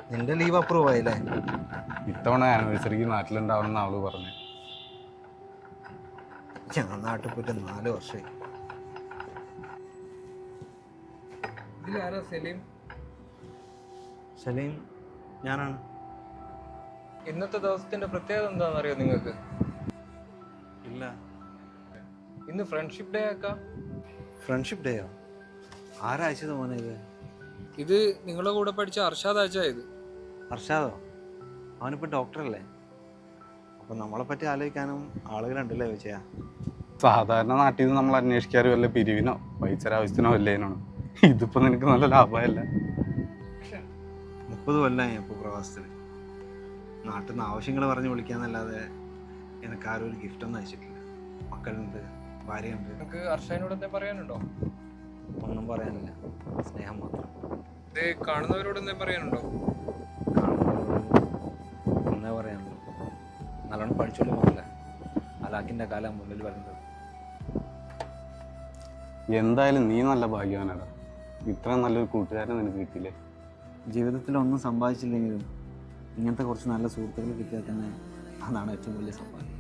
നിന്റെ leave approve ആയില്ലേ? ഇത്തവണ ആനിവേഴ്സറിക്ക് നാട്ടിലുണ്ടാവണമെന്ന് അവള് പറഞ്ഞു. ഞാൻ നാട്ടിൽ പോയിട്ട് 4 വർഷമായി. ഇതിലാരാ സലീം? സലീം ഞാനാണ്. ഇന്നത്തെ ദിവസത്തിന്റെ പ്രത്യേകത എന്താണെന്നറിയോ നിങ്ങൾക്ക്? ഇല്ല. ഇന്ന് ഫ്രണ്ട്ഷിപ്പ് ഡേ ആക്കാം. ഫ്രണ്ട്ഷിപ്പ് ഡേയോ? ആരാഴ്ചത് മോനെ ഇത്? ഇത് നിങ്ങളുടെ കൂടെ പഠിച്ച അർഷാദ് അയച്ചാ ഇത്. അർഷാദോ? അവനിപ്പോൾ ഡോക്ടറല്ലേ? അപ്പം നമ്മളെ പറ്റി ആലോചിക്കാനും ആളുകളുണ്ടല്ലേ വിജയ? സാധാരണ നാട്ടിൽ നിന്ന് നമ്മൾ അന്വേഷിക്കാറ് വല്ല പിരിവിനോ പൈസരാവശ്യത്തിനോ വല്ലേനാണ്. ഇതിപ്പോ നിനക്ക് നല്ല ലാഭമല്ല. 30 കൊല്ലമായി ഇപ്പോൾ പ്രവാസത്തിൽ. നാട്ടിൽ നിന്ന് ആവശ്യങ്ങൾ പറഞ്ഞ് വിളിക്കാന്നല്ലാതെ എനിക്ക് ആരും ഒരു ഗിഫ്റ്റൊന്നും അയച്ചിട്ടില്ല. മക്കളുണ്ട്, ഭാര്യയുണ്ട്. നിങ്ങൾക്ക് അർഷാദിനോട് എന്താ പറയാനുണ്ടോ? ഒന്നും പറയാനില്ല, സ്നേഹം മാത്രം. ഇത് കാണുന്നവരോട് എന്താ പറയാനുണ്ടോ? ഒന്നേ പറയാനുള്ളൂ, നല്ലോണം പഠിച്ചോളൂ മക്കളെ. അലാക്കിൻ്റെ കാലം മുന്നിൽ വരുന്നത്. എന്തായാലും നീ നല്ല ഭാഗ്യവാനാടാ. ഇത്രയും നല്ലൊരു കൂട്ടുകാരനെ നിനക്ക് കിട്ടിയില്ലേ. ജീവിതത്തിൽ ഒന്നും സമ്പാദിച്ചില്ലെങ്കിലും ഇങ്ങനത്തെ കുറച്ച് നല്ല സുഹൃത്തുക്കൾ കിട്ടിയാൽ തന്നെ അതാണ് ഏറ്റവും വലിയ സമ്പാദ്യം.